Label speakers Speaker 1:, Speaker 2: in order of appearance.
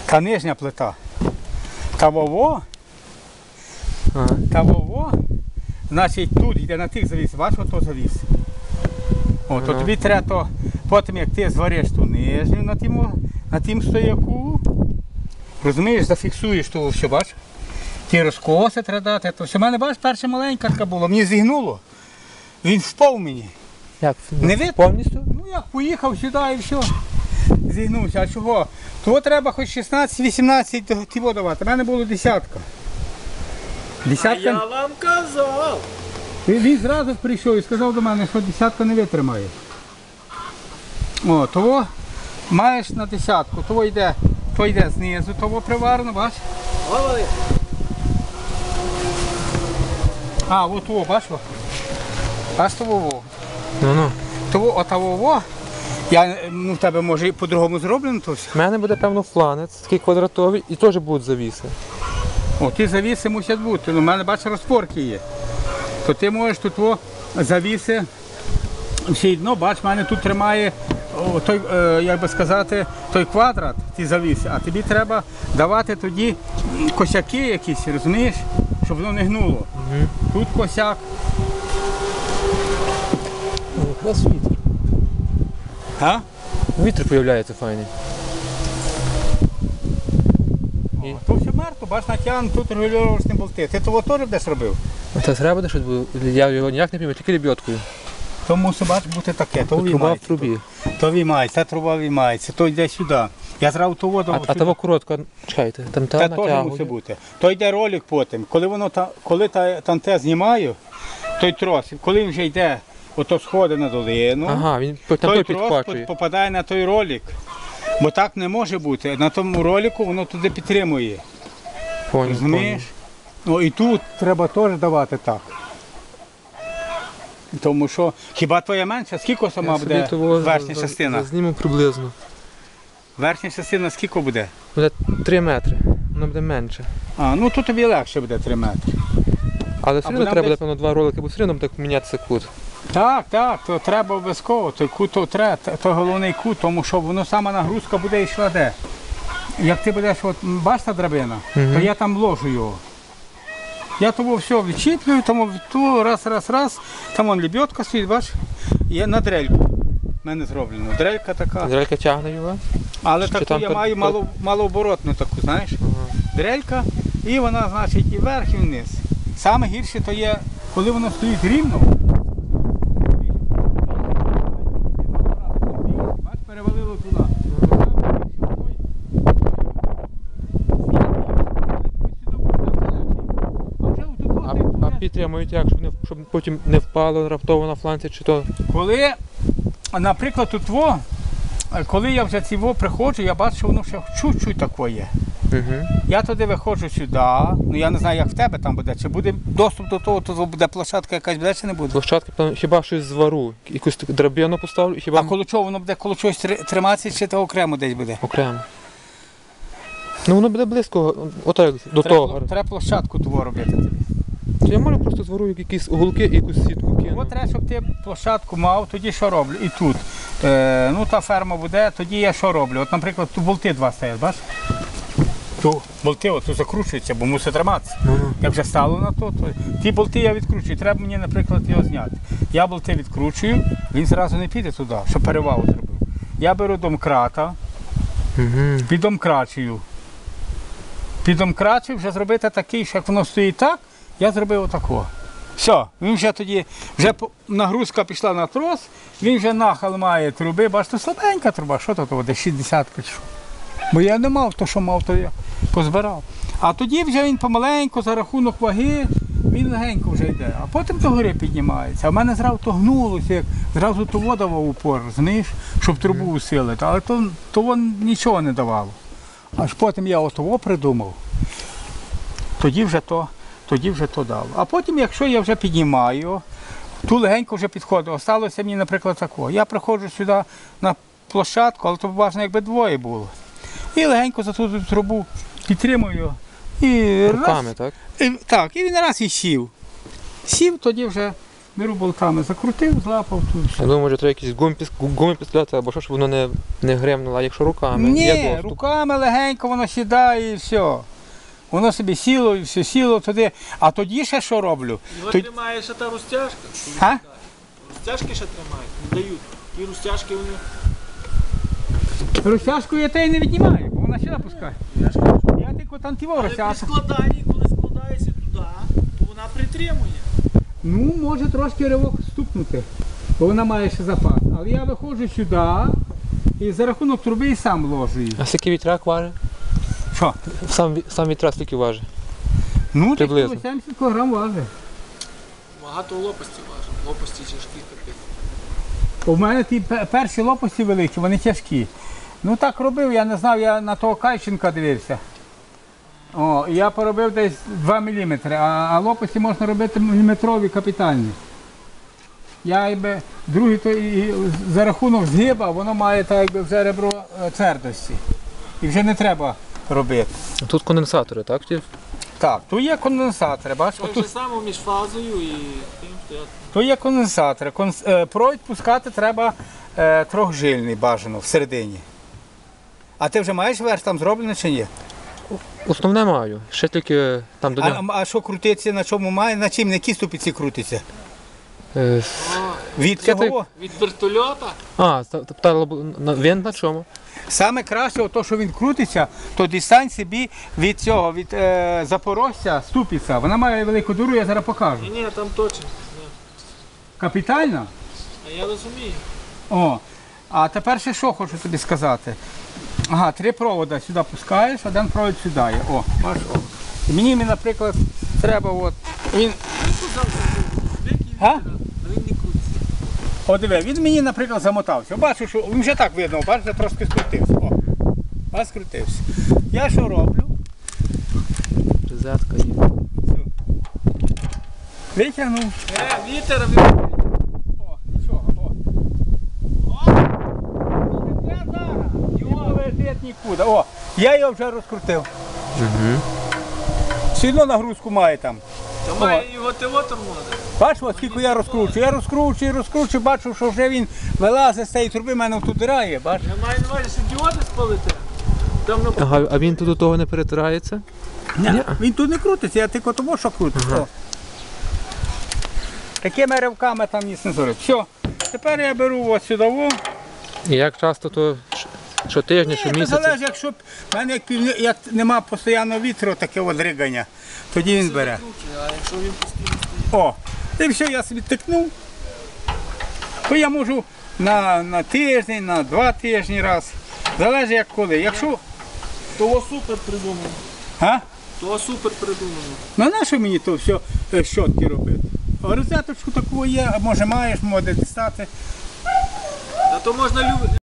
Speaker 1: та нижня плита. Та вово, значить тут йде на тих завіс, бачиш, ото завіс. О, то тобі треба, то, потім як ти звариш ту нижню на тім стояку, розумієш, зафіксуєш того все, бачиш. Ті розкоси треба дати, то все. У мене, бачиш, перша маленька така була, мені зігнуло, він впав мені.
Speaker 2: Як?
Speaker 1: Не видно?
Speaker 2: Повністю?
Speaker 1: Ну як, поїхав сюди і все. Зігнувся, а чого? Того треба хоч 16-18 тіво давати, у мене було десятка. Десятка.
Speaker 3: Я вам казав.
Speaker 1: Він зразу прийшов і сказав до мене, що десятка не витримає. О, того маєш на десятку, то йде знизу, того приварено, бачиш?
Speaker 3: Говори.
Speaker 1: А, от того, бачиш? Аж того.
Speaker 2: Ну-ну.
Speaker 1: Того, отого, в тебе може і по-другому зроблено то все.
Speaker 2: У мене буде, певно, фланець, такий квадратовий, і теж будуть завіси.
Speaker 1: О, ті завіси мусять бути, у мене, бачиш, розпорки є. То ти можеш тут завіси, все одно, бачиш, в мене тут тримає той, як би сказати, той квадрат, ті завіси, а тобі треба давати тоді косяки якісь, розумієш, щоб воно не гнуло. Тут косяк.
Speaker 2: Якраз вітер.
Speaker 1: А?
Speaker 2: Вітер з'являється файний.
Speaker 1: То все мертво, бачиш, натягнуто, тут регулювачні болти. Ти того теж десь робив?
Speaker 2: Та треба буде щось, бо я його ніяк не пійму, тільки лебедкою.
Speaker 1: То мусить бути таке, то
Speaker 2: Труба в
Speaker 1: виймається.
Speaker 2: трубі.
Speaker 1: То виймається, та труба виймається, то йде сюди. Я зразу ту воду
Speaker 2: А того коротко, чекайте, там
Speaker 1: Це теж мусить бути. То йде ролик потім. Коли там те знімаю, той трос, коли він вже йде, ото сходить на долину,
Speaker 2: ага, він там
Speaker 1: той
Speaker 2: той
Speaker 1: трос
Speaker 2: підхвачує.
Speaker 1: попадає на той ролик. Бо так не може бути. На тому ролику воно туди підтримує.
Speaker 2: Понял,
Speaker 1: Розумієш? Ну і тут треба теж давати так. Тому що, хіба твоя менша, скільки сама буде верхня частина?
Speaker 2: Зніму приблизно.
Speaker 1: Верхня частина скільки буде?
Speaker 2: Буде 3 метри, воно буде менше.
Speaker 1: А, ну тут тобі легше буде 3 метри.
Speaker 2: Але все
Speaker 1: Або
Speaker 2: одно
Speaker 1: нам
Speaker 2: треба,
Speaker 1: десь-
Speaker 2: певно, 2 ролики, бо все одно буде так мінятися кут.
Speaker 1: Так, то треба обов'язково, той кут то треба, то головний кут, тому що воно сама нагрузка буде йшла де. Як ти будеш, от бачиш та драбина, то я там ложу його. Я того все відчіплюю, тому раз, там вон лебедка стоїть, бачиш, є на дрельку. У мене зроблено. Дрелька така.
Speaker 2: Дрелька тягне його.
Speaker 1: Але
Speaker 2: Чи
Speaker 1: таку
Speaker 2: там
Speaker 1: я маю малооборотну таку, знаєш. Дрелька, і вона, значить, і вверх, і вниз. Саме гірше то є, коли воно стоїть рівно. Бач, перевалило туди.
Speaker 2: А підтримують як, щоб потім не впало раптово на фланці чи то.
Speaker 1: Коли, наприклад, коли я вже ці приходжу, я бачу, що воно ще чуть-чуть таке є. Я туди виходжу сюди, ну я не знаю, як в тебе там буде, чи буде доступ до того, то буде площадка якась буде, чи не буде.
Speaker 2: Площадки, певно, хіба щось звару, якусь драбину поставлю, і хіба
Speaker 1: А коло чого воно буде, коло чогось триматися, чи то окремо десь буде?
Speaker 2: окремо. Ну воно буде близько, отак, до того.
Speaker 1: Треба площадку того робити тобі.
Speaker 2: То я можу просто звару якісь уголки і якусь сітку кину.
Speaker 1: От треба, щоб ти площадку мав, тоді що роблю? І тут. Ну та ферма буде, тоді я що роблю? От, наприклад, тут болти два стоять, бачиш? Тут болти от, закручуються, бо мусить триматися. Як вже стало на то, ті болти я відкручую. Треба мені, наприклад, його зняти. Я болти відкручую, він зразу не піде туди, щоб перевагу зробив. Я беру домкрата, піддомкрачую. Піддомкрачую, вже зробити такий, що як воно стоїть так, я зробив отако. Все, він вже тоді, нагрузка пішла на трос, він вже нахил має труби, бачите, слабенька труба, що то, десь 60 пішов. Бо я не мав, то що мав, то я позбирав. А тоді вже він помаленьку, за рахунок ваги, він легенько вже йде, а потім до гори піднімається. А в мене зразу то гнулося, як зразу то вода в упор, розумієш, щоб трубу усилити, але то нічого не давало. Аж потім я отого придумав, тоді вже то дало. А потім, якщо я вже піднімаю, ту легенько вже підходить. Осталося мені, наприклад, такого. Я приходжу сюди на площадку, але то важно, якби двоє було. І легенько за ту трубу підтримую. І
Speaker 2: руками, так?
Speaker 1: Так, і він раз і сів. Сів, тоді вже беру болтами, закрутив, злапав тут.
Speaker 2: Я думаю, може треба якісь гуми підставляти, або що, щоб воно не гремнуло, а якщо руками. Є
Speaker 1: Ні,
Speaker 2: доступ.
Speaker 1: руками легенько воно сідає і все. Воно собі сіло і все сіло туди. А тоді ще що роблю?
Speaker 3: Його
Speaker 1: Тоді-
Speaker 3: тримає ще та розтяжка.
Speaker 1: А?
Speaker 3: Розтяжки ще тримають, не дають. Ті розтяжки вони.
Speaker 1: Розтяжку я те й не віднімаю, бо вона сюди пускає.
Speaker 3: Я ж кажу.
Speaker 1: Я тільки там тіво
Speaker 3: Але при
Speaker 1: розтяжку.
Speaker 3: складанні, коли складаєшся туди, то вона притримує.
Speaker 1: Ну, може трошки ривок стукнути, бо вона має ще запас. Але я виходжу сюди і за рахунок труби і сам ложу її.
Speaker 2: А скільки вітряк важить?
Speaker 1: Що?
Speaker 2: Сам вітряк скільки важить?
Speaker 1: Ну, десь
Speaker 2: Приблизно.
Speaker 1: 70 кг важить.
Speaker 3: Багато лопасті важить. Лопасті тяжкі капець.
Speaker 1: У мене ті перші лопасті великі, вони тяжкі. Ну так робив, я не знав, я на того Кайченка дивився. О, і я поробив десь 2 мм, а лопасті можна робити міліметрові капітальні. Я якби другий то і за рахунок згиба, воно має так якби вже ребро твердості. І вже не треба робити.
Speaker 2: Тут конденсатори, так?
Speaker 1: Так, тут є конденсатори, бачиш?
Speaker 3: Так
Speaker 1: Отут
Speaker 3: же само між фазою і тим стоять.
Speaker 1: тут є конденсатори. Провід пускати треба трьохжильний бажано всередині. А ти вже маєш верх там зроблений чи ні?
Speaker 2: Основне маю. Ще тільки там до нього.
Speaker 1: А що крутиться, на чому має, на чим, на якій ступиці крутиться?
Speaker 2: Е,
Speaker 1: Від
Speaker 2: Це
Speaker 1: цього?
Speaker 3: Від вертольота.
Speaker 2: Він на чому?
Speaker 1: Саме краще, то, що він крутиться, то дістань собі від цього, від Запорожця ступиця. Вона має велику дуру, я зараз покажу.
Speaker 3: Ні, там точно. Ні.
Speaker 1: Капітально?
Speaker 3: А я розумію.
Speaker 1: О, а тепер ще що хочу тобі сказати. Ага, 3 провода сюди пускаєш, один провід сюди є. О, бачиш, о. І мені, наприклад, треба от, він, а?
Speaker 3: Він не крутиться.
Speaker 1: О, диви, він мені, наприклад, замотався. Бачу, що він вже так видно, бачите, трошки скрутився. О, бачиш, скрутився. Я що роблю?
Speaker 2: Розетка є.
Speaker 1: Витягнув.
Speaker 3: Вітер,
Speaker 1: О, нічого, о. О! Не треба зараз. Його лежить нікуди. О, я його вже розкрутив.
Speaker 2: Угу.
Speaker 1: Сильно нагрузку має там.
Speaker 3: то має його тило тормозить.
Speaker 1: Бачиш, от скільки я розкручую. Я розкручую, бачу, що вже він вилазить з цієї труби, в мене тут дира є, бачиш?
Speaker 3: Я маю на увазі, що діоди спалити. Там на
Speaker 2: Ага, а він тут до того не перетирається?
Speaker 1: Ні, він тут не крутиться, я тільки тому, що крутиться. О. Такими ривками там ніс не зорить. Все, тепер я беру ось сюди. О.
Speaker 2: І як часто, то щотижня,
Speaker 1: Ні, це
Speaker 2: щомісяця?
Speaker 1: залежить, якщо в мене як нема постійного вітру, таке от ригання, тоді він бере.
Speaker 3: круче, а якщо він постійно стоїть.
Speaker 1: О, і все, я собі тикнув. То я можу на тиждень, на 2 тижні раз. Залежить як коли. Якщо.
Speaker 3: Того супер придумано.
Speaker 1: А?
Speaker 3: Того супер придумано.
Speaker 1: Ну на що мені то все щотки робити? А розеточку таку є, може маєш, може дістати.
Speaker 3: Та то можна